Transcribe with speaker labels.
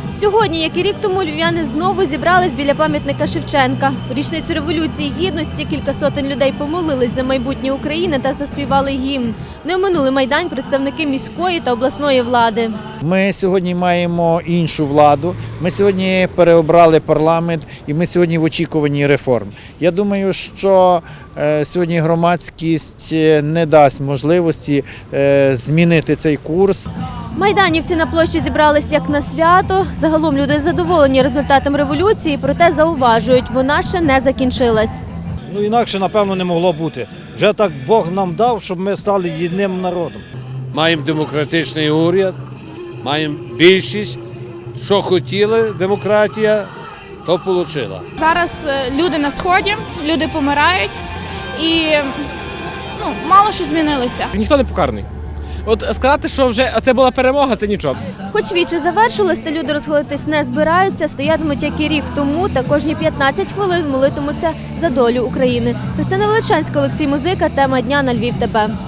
Speaker 1: Сьогодні, як і рік тому, львів'яни знову зібрались біля пам'ятника Шевченка. У річницю Революції Гідності кілька сотень людей помолились за майбутнє України та заспівали гімн. Не оминули Майдан представники міської та обласної влади.
Speaker 2: Ми сьогодні маємо іншу владу, ми сьогодні переобрали парламент і ми сьогодні в очікуванні реформ. Я думаю, що сьогодні громадськість не дасть можливості змінити цей курс.
Speaker 1: Майданівці на площі зібрались як на свято. Загалом люди задоволені результатом революції, проте зауважують, вона ще не закінчилась.
Speaker 3: Інакше, напевно, не могло бути. Вже так Бог нам дав, щоб ми стали єдиним народом.
Speaker 4: Маємо демократичний уряд, маємо більшість. Що хотіли демократія, то отримала.
Speaker 5: Зараз люди на Сході, люди помирають і мало що змінилося.
Speaker 6: Ніхто не покараний. От сказати, що вже це була перемога, це нічого.
Speaker 1: Хоч віче завершилось, та люди розходитись не збираються, стоятимуть, як і рік тому, та кожні 15 хвилин молитимуться за долю України. Христина Величанська, Олексій Музика, тема дня на Львів ТБ.